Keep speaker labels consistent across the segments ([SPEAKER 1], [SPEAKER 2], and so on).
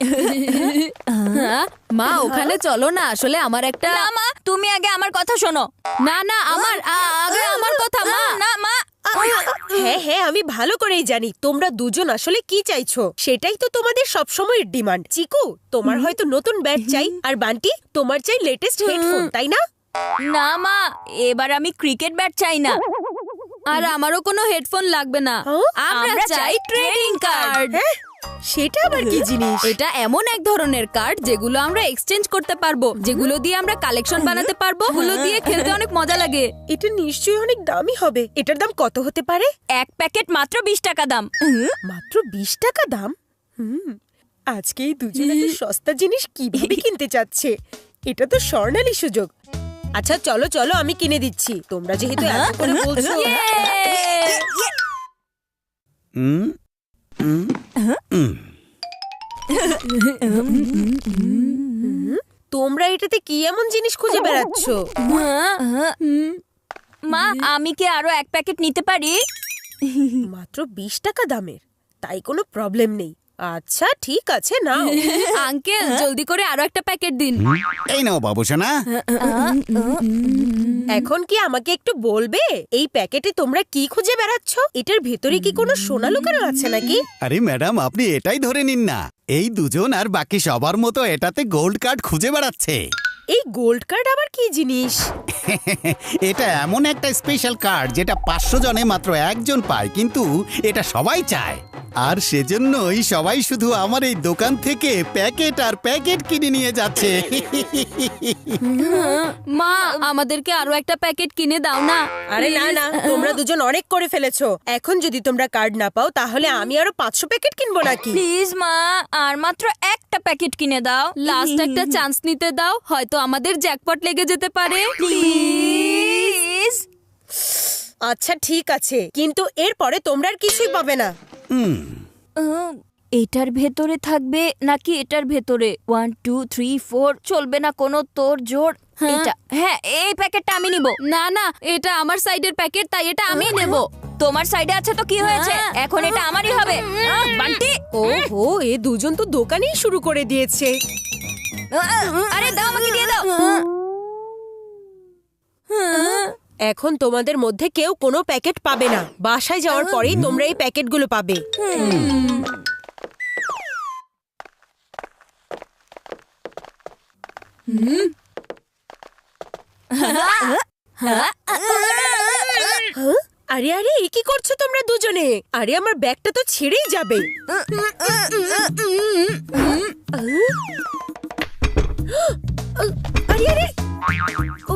[SPEAKER 1] মা ওখানে চলো না, আসলে আমার একটা।
[SPEAKER 2] না মা, তুমি আগে আমার কথা শোনো।
[SPEAKER 1] না না, আগে আমার কথা মা।
[SPEAKER 2] না মা।
[SPEAKER 3] হ্যাঁ হ্যাঁ, আমি ভালো করেই জানি তোমরা দুজন আসলে কি চাইছো। সেটাই তো তোমাদের সব সময়ের ডিমান্ড। চিকু, তোমার হয়তো নতুন ব্যাট চাই, আর বান্টি তোমার চাই লেটেস্ট হেডফোন, তাই না?
[SPEAKER 2] না মা, এবার আমি ক্রিকেট ব্যাট চাই না।
[SPEAKER 1] আর আমারও কোনো হেডফোন লাগবে না। আমরা চাই ট্রেডিং কার্ড।
[SPEAKER 3] হ্যাঁ, সেটা আবার কি জিনিস?
[SPEAKER 1] এটা এমন এক ধরনের কার্ড যেগুলো আমরা এক্সচেঞ্জ করতে পারবো, যেগুলো দিয়ে আমরা কালেকশন বানাতে পারবো, যেগুলো দিয়ে খেলতে অনেক মজা লাগে।
[SPEAKER 3] এটা নিশ্চয়ই অনেক দামি হবে। এটার দাম কত হতে পারে?
[SPEAKER 2] এক প্যাকেট মাত্র 20 টাকা দাম।
[SPEAKER 3] মাত্র 20 টাকা দাম? আজকে এই দুজন এত সস্তা জিনিস কিভাবে কিনতে চাচ্ছে? এটা তো স্বর্ণালী সুযোগ। আচ্ছা চলো চলো, আমি কিনে দিচ্ছি, তোমরা যেহেতু এত করে বলছো। তোমরা এটাতে কি এমন জিনিস খুঁজে বেড়াচ্ছ?
[SPEAKER 2] মা, আমি কি আরো এক প্যাকেট নিতে পারি?
[SPEAKER 3] মাত্র 20 টাকা দামের, তাই কোনো প্রবলেম নেই। আচ্ছা ঠিক আছে, নাও।
[SPEAKER 1] আঙ্কেল জলদি করে আরো একটা প্যাকেট দিন।
[SPEAKER 4] এই নাও বাবুসোনা।
[SPEAKER 3] এখন কি আমাকে একটু বলবে এই প্যাকেটে তোমরা কি খুঁজে বেড়াচ্ছ? এটার ভেতরে কি কোনো সোনা লুকানো আছে নাকি?
[SPEAKER 4] আরে ম্যাডাম, আপনি এটাই ধরে নিন না, এই দুজন আর বাকি সবার মতো এটাতে গোল্ড কার্ড খুঁজে বেড়াচ্ছে।
[SPEAKER 3] এই গোল্ড কার্ড আবার কি জিনিস?
[SPEAKER 4] এটা এমন একটা স্পেশাল কার্ড যেটা 500 জনে মাত্র একজন পায়, কিন্তু এটা সবাই চায়। আর সেজন্যই সবাই শুধু আমার এই দোকান থেকে প্যাকেট আর প্যাকেট কিনে নিয়ে যাচ্ছে।
[SPEAKER 1] মা, আমাদেরকে আরো একটা প্যাকেট কিনে দাও না।
[SPEAKER 3] আরে না না, তোমরা দুজন অনেক করে ফেলেছো। এখন যদি তোমরা কার্ড না পাও তাহলে আমি আরো 500 প্যাকেট কিনবো নাকি?
[SPEAKER 2] প্লিজ মা, আর মাত্র একটা প্যাকেট কিনে দাও।
[SPEAKER 1] লাস্ট একটা চান্স নিতে দাও, হয়তো আমাদের জ্যাকপট লেগে যেতে পারে।
[SPEAKER 2] প্লিজ।
[SPEAKER 3] আচ্ছা ঠিক আছে, কিন্তু এরপরে তোমরা আর কিছুই পাবে না।
[SPEAKER 2] এটার ভেতরে থাকবে নাকি এটার ভেতরে? 1 2 3 4 চলবে না কোনো তোর জোর। এটা, হ্যাঁ, এই প্যাকেটটা আমি নিব।
[SPEAKER 1] না না, এটা আমার সাইডের প্যাকেট, তাই এটা আমি নেব।
[SPEAKER 2] তোমার সাইডে আছে তো কি হয়েছে, এখন এটা আমারই হবে। বান্টি,
[SPEAKER 3] ওহো, এ দুজন তো দোকানেই শুরু করে দিয়েছে।
[SPEAKER 2] আরে দাও, আমাকে দিয়ে দাও।
[SPEAKER 3] এখন তোমাদের মধ্যে কেউ কোনো প্যাকেট পাবে না। বাসায় যাওয়ার পরেই তোমরা এই প্যাকেটগুলো পাবে। আরে আরে, এ কি করছো তোমরা দুজনে? আরে আমার ব্যাগটা তো ছিঁড়েই যাবে। আরে আরে, ও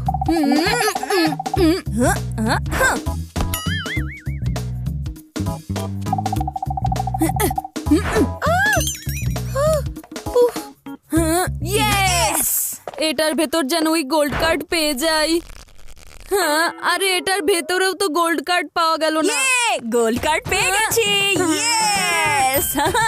[SPEAKER 2] ইয়েস!
[SPEAKER 1] এটার ভেতর যেন ওই গোল্ড কার্ড পেয়ে যাই। হ্যাঁ, আরে এটার ভেতরেও তো গোল্ড কার্ড পাওয়া গেল না।
[SPEAKER 2] গোল্ড কার্ড পেয়ে গেছি। ইয়েস!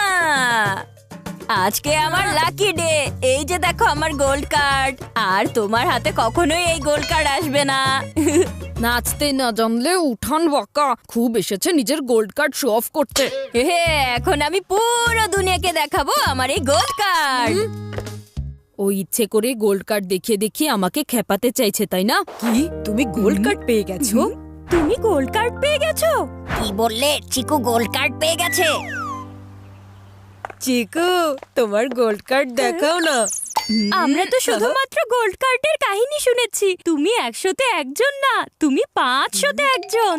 [SPEAKER 2] আজকে আমার লাকি ডে। এই যে দেখো আমার গোল্ড কার্ড। আর তোমার হাতে কখনোই এই গোল্ড কার্ড আসবে না।
[SPEAKER 1] নাচতে না জানলে উঠান বাঁকা, খুব এসেছে নিজের গোল্ড কার্ড শো অফ করতে।
[SPEAKER 2] এখন আমি পুরো দুনিয়াকে দেখাবো আমার এই গোল্ড কার্ড।
[SPEAKER 1] ও ইচ্ছে করে গোল্ড কার্ড দেখিয়ে দেখিয়ে আমাকে খেপাতে চাইছে, তাই না?
[SPEAKER 3] কি, তুমি গোল্ড কার্ড পেয়ে গেছো?
[SPEAKER 2] তুমি গোল্ড কার্ড পেয়ে গেছো? কি বললে? চিকু গোল্ড কার্ড পেয়ে গেছে।
[SPEAKER 3] চিকু, তোমার গোল্ড কার্ড দেখাও না।
[SPEAKER 2] আমরা তো শুধুমাত্র গোল্ড কার্ডের কাহিনী শুনেছি। তুমি 100-তে একজন না, তুমি 500-তে একজন।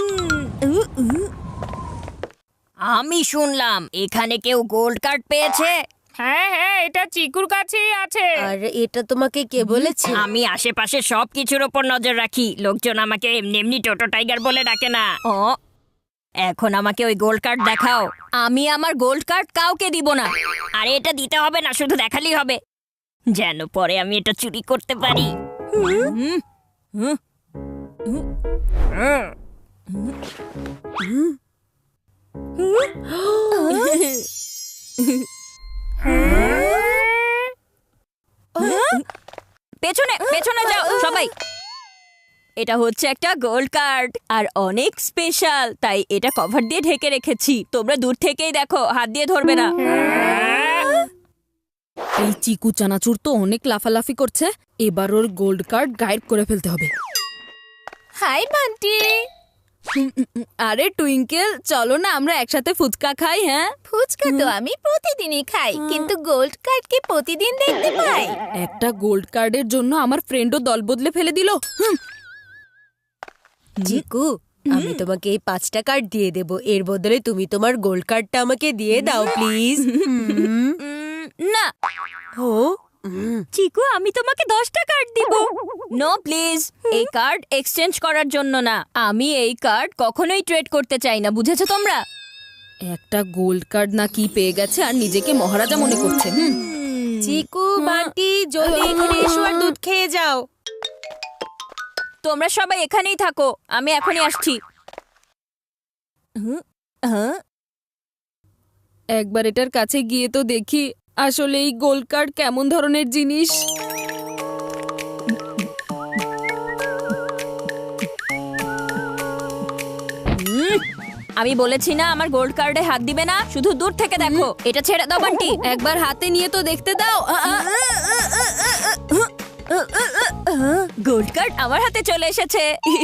[SPEAKER 2] আমি শুনলাম এখানে কেউ গোল্ড কার্ড পেয়েছে।
[SPEAKER 5] হ্যাঁ হ্যাঁ, এটা চিকুর কাছেই আছে।
[SPEAKER 3] আর এটা তোমাকে কে বলেছে?
[SPEAKER 5] আমি আশেপাশে সব কিছুর উপর নজর রাখি। লোকজন আমাকে এমনি এমনি টোটো টাইগার বলে ডাকে না।
[SPEAKER 2] ও, এখন আমাকে ওই গোল্ড কার্ড দেখাও। আমি আমার গোল্ড কার্ড কাউকে দিব না।
[SPEAKER 5] আরে এটা দিতে হবে না, শুধু দেখালেই হবে, যেন পরে আমি এটা চুরি করতে পারি।
[SPEAKER 2] পেছনে পেছনে যাও সবাই। এটা হচ্ছে একটা গোল্ড কার্ড আর অনেক স্পেশাল, তাই এটা কভার দিয়ে ঢেকে রেখেছি। তোমরা দূর থেকেই দেখো, হাত দিয়ে ধরবে না।
[SPEAKER 1] এই চিকু চানাচুর তো অনেক লাফালাফি করছে, এবার ওর গোল্ড কার্ড গায়েব করে ফেলতে হবে।
[SPEAKER 2] হাই বান্টি।
[SPEAKER 1] আরে টুইঙ্কেল, চলো না আমরা একসাথে ফুচকা খাই। হ্যাঁ,
[SPEAKER 2] ফুচকা তো আমি প্রতিদিনই খাই, কিন্তু গোল্ড কার্ড কি প্রতিদিন দেখতে পাই?
[SPEAKER 1] একটা গোল্ড কার্ডের জন্য আমার ফ্রেন্ডও দল বদলে ফেলে দিল।
[SPEAKER 3] চিকু, আমি তোমাকে এই 5টা কার্ড দিয়ে দেব, এর বদলে তুমি তোমার গোল্ড কার্ডটা আমাকে দিয়ে দাও প্লিজ।
[SPEAKER 2] না
[SPEAKER 3] ও
[SPEAKER 2] চিকু, আমি তোমাকে 10টা কার্ড দিব। নো প্লিজ, এই কার্ড এক্সচেঞ্জ করার জন্য না। আমি এই কার্ড কখনোই ট্রেড করতে চাই না, বুঝেছো তোমরা?
[SPEAKER 1] একটা গোল্ড কার্ড না কি পেয়ে গেছে আর নিজেকে মহারাজা মনে করছে।
[SPEAKER 3] চিকু, বান্টি, জলদি এখানে এসো আর দুধ খেয়ে যাও।
[SPEAKER 2] তোমরা সবাই এখানেই থাকো, আমি এখনই আসছি।
[SPEAKER 1] একবার এটার কাছে গিয়ে তো দেখি আসলে এই গোল্ড কার্ড কেমন ধরনের জিনিস।
[SPEAKER 2] আমি বলেছি না আমার গোল্ড কার্ডে হাত দিবে না, শুধু দূর থেকে দেখো। এটা ছেড়ে দাও বান্টি।
[SPEAKER 1] একবার হাতে নিয়ে তো দেখতে দাও।
[SPEAKER 2] গোল্ড কার্ড আমার হাতে চলে এসেছে।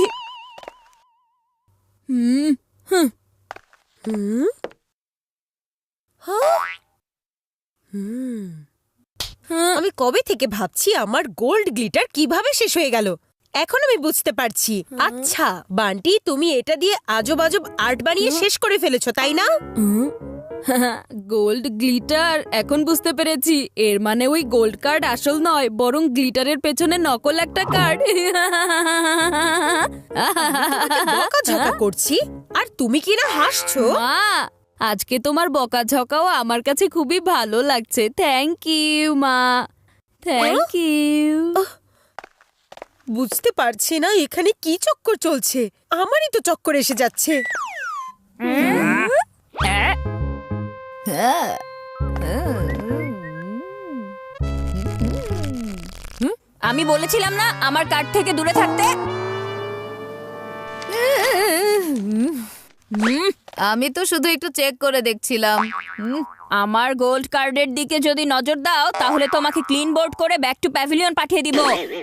[SPEAKER 3] আমি কবে থেকে ভাবছি আমার গোল্ড গ্লিটার কিভাবে শেষ হয়ে গেল, এখন আমি বুঝতে পারছি। আচ্ছা বান্টি, তুমি এটা দিয়ে আজব আজব আর্ট বানিয়ে শেষ করে ফেলেছো, তাই না?
[SPEAKER 1] গোল্ড গ্লিটার, এখন বুঝতে পেরেছি। এর মানে ওই গোল্ড কার্ড আসল নয়, বরং গ্লিটারের পেছনে নকল একটা কার্ড।
[SPEAKER 3] বকাঝকা করছি আর তুমি কিনা হাসছো।
[SPEAKER 1] মা, আজকে তোমার বকাঝকাও আমার কাছে খুবই ভালো লাগছে। থ্যাংক ইউ মা, থ্যাংক ইউ।
[SPEAKER 3] বুঝতে পারছি না এখানে কি চক্কর চলছে, আমারই তো চক্কর এসে যাচ্ছে।
[SPEAKER 2] আমি বলেছিলাম না আমার কার্ড থেকে দূরে থাকতে।
[SPEAKER 1] আমি তো শুধু একটু চেক করে দেখছিলাম।
[SPEAKER 2] আমার গোল্ড কার্ডের দিকে যদি নজর দাও তাহলে তোমাকে ক্লিন বোর্ড করে ব্যাক টু প্যাভিলিয়ন পাঠিয়ে দিব।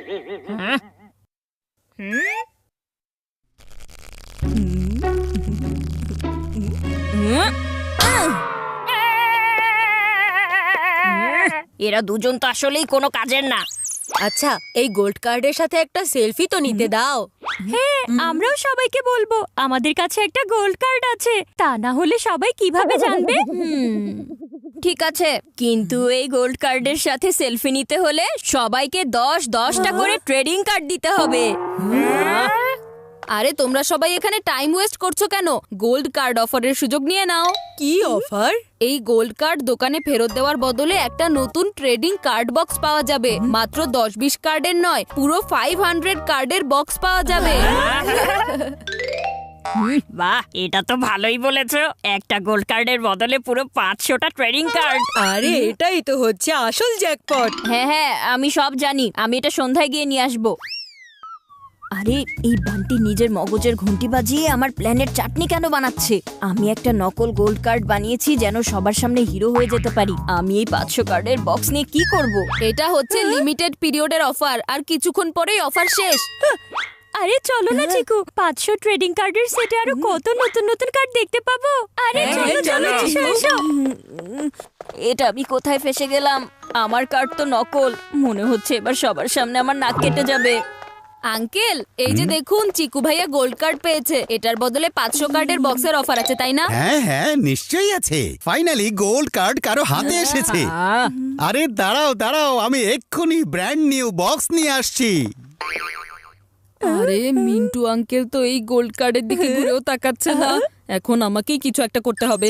[SPEAKER 5] এরা দুজন তো আসলেই কোনো কাজের না।
[SPEAKER 3] আচ্ছা, এই গোল্ড কার্ডের সাথে একটা সেলফি তো নিতে দাও।
[SPEAKER 2] হ্যাঁ, আমরাও সবাইকে বলবো আমাদের কাছে একটা গোল্ড কার্ড আছে, তা না হলে সবাই কিভাবে জানবে? ঠিক আছে, কিন্তু এই গোল্ড কার্ডের সাথে সেলফি নিতে হলে সবাইকে 10-10টা করে ট্রেডিং কার্ড দিতে হবে।
[SPEAKER 1] আরে তোমরা সবাই এখানে টাইম ওয়েস্ট করছো কেন? গোল্ড কার্ড অফারের সুযোগ নিয়ে নাও।
[SPEAKER 3] কি অফার?
[SPEAKER 1] এই গোল্ড কার্ড দোকানে ফেরত দেওয়ার বদলে একটা নতুন ট্রেডিং কার্ড বক্স পাওয়া যাবে। মাত্র 10-20 কার্ডের নয়, পুরো 500 কার্ডের বক্স পাওয়া যাবে।
[SPEAKER 5] বাহ, এটা তো ভালোই বলেছো। একটা গোল্ড কার্ডের বদলে পুরো 500টা ট্রেডিং কার্ড।
[SPEAKER 3] আরে এটাই তো হচ্ছে আসল জ্যাকপট।
[SPEAKER 2] হ্যাঁ হ্যাঁ, আমি সব জানি, আমি এটা সন্ধ্যায় গিয়ে নিয়ে আসবো। আরে এই বান্টি নিজের মগজের ঘুঁটি বাজিয়ে আমার প্ল্যানের চাটনি কেন বানাচ্ছে? আমি একটা নকল গোল্ড কার্ড বানিয়েছি যেন সবার সামনে হিরো হয়ে যেতে পারি। আমি এই 500 কার্ডের বক্স নিয়ে কি করব?
[SPEAKER 1] এটা হচ্ছে লিমিটেড পিরিয়ডের অফার, আর কিছুক্ষণ পরেই অফার শেষ।
[SPEAKER 2] আরে চলো না চিকু, 500 ট্রেডিং কার্ডের সেটে আরো কত নতুন নতুন কার্ড দেখতে পাবো। আরে চলো চলো এসো এসো। এটা আমি কোথায় ফেসে গেলাম? আমার কার্ড তো নকল, মনে হচ্ছে এবার সবার সামনে আমার নাক কেটে যাবে।
[SPEAKER 1] আঙ্কেল, এই যে দেখুন, চিকু ভাইয়া গোল্ড কার্ড পেয়েছে। এটার বদলে 500 কার্ডের বক্সের অফার আছে, তাই না?
[SPEAKER 4] হ্যাঁ হ্যাঁ, নিশ্চয়ই আছে। ফাইনালি গোল্ড কার্ড কারো হাতে এসেছে। আরে দাঁড়াও দাঁড়াও, আমি এক্ষুনি ব্র্যান্ড নিউ বক্স নিয়ে আসছি।
[SPEAKER 1] আরে মিন্টু আঙ্কেল তো এই গোল্ড কার্ডের দিকে ঘুরেও তাকাচ্ছে না। এখন আমাকেই কিছু একটা করতে হবে।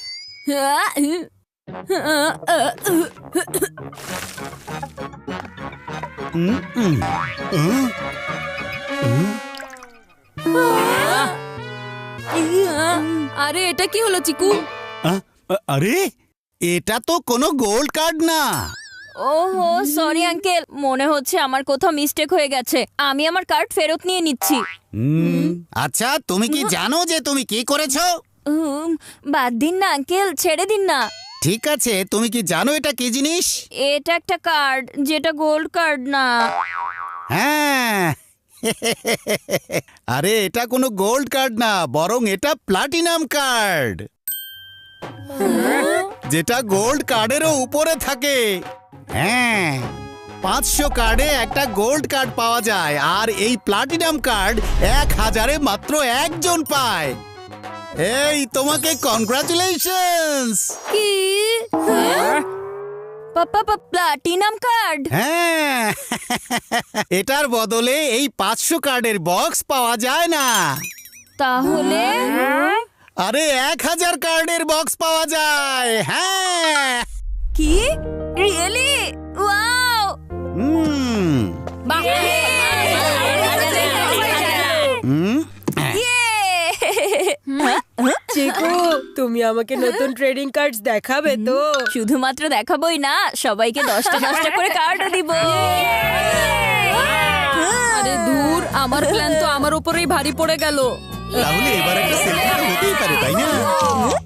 [SPEAKER 1] আরে এটা কি হলো চিকু?
[SPEAKER 4] আরে এটা তো কোনো গোল্ড কার্ড না।
[SPEAKER 2] ওহো, সরি আঙ্কেল, মনে হচ্ছে আমার কোথাও মিস্টেক হয়ে গেছে। আমি আমার কার্ড ফেরত নিয়ে নিচ্ছি।
[SPEAKER 4] আচ্ছা, তুমি কি জানো যে তুমি কি করেছো?
[SPEAKER 2] বাদ দিন না আঙ্কেল, ছেড়ে দিন না।
[SPEAKER 4] ঠিক আছে, তুমি কি জানো এটা কি জিনিস?
[SPEAKER 2] এটা একটা কার্ড, যেটা গোল্ড কার্ড না।
[SPEAKER 4] হ্যাঁ আরে এটা কোনো গোল্ড কার্ড না, বরং এটা প্লাটিনাম কার্ড, যেটা গোল্ড কার্ডেরও উপরে থাকে। হ্যাঁ, 500 কার্ডে একটা গোল্ড কার্ড পাওয়া যায়, আর এই প্লাটিনাম কার্ড 1000-এ মাত্র একজন পায়। এই তোমাকে কনগ্রাচুলেশনস।
[SPEAKER 2] কি? Platinum card?
[SPEAKER 4] হ্যাঁ এটার বদলে এই 500 কার্ডের বক্স পাওয়া যায় না।
[SPEAKER 2] তাহলে
[SPEAKER 4] আরে 1000 কার্ডের বক্স পাওয়া যায়। হ্যাঁ
[SPEAKER 2] কি? রিয়েলি? ওয়াও!
[SPEAKER 4] হুম হুম
[SPEAKER 3] চিকু, তুমি আমাকে নতুন ট্রেডিং কার্ডস দেখাবে তো?
[SPEAKER 2] শুধুমাত্র দেখাবোই না, সবাইকে 10টা 10টা করে কার্ডও দিব।
[SPEAKER 1] আরে দূর, আমার প্ল্যান তো আমার উপরেই ভারী পড়ে গেল।
[SPEAKER 4] তাহলে এবার একটা সেলফি হতেই পারে, তাই না?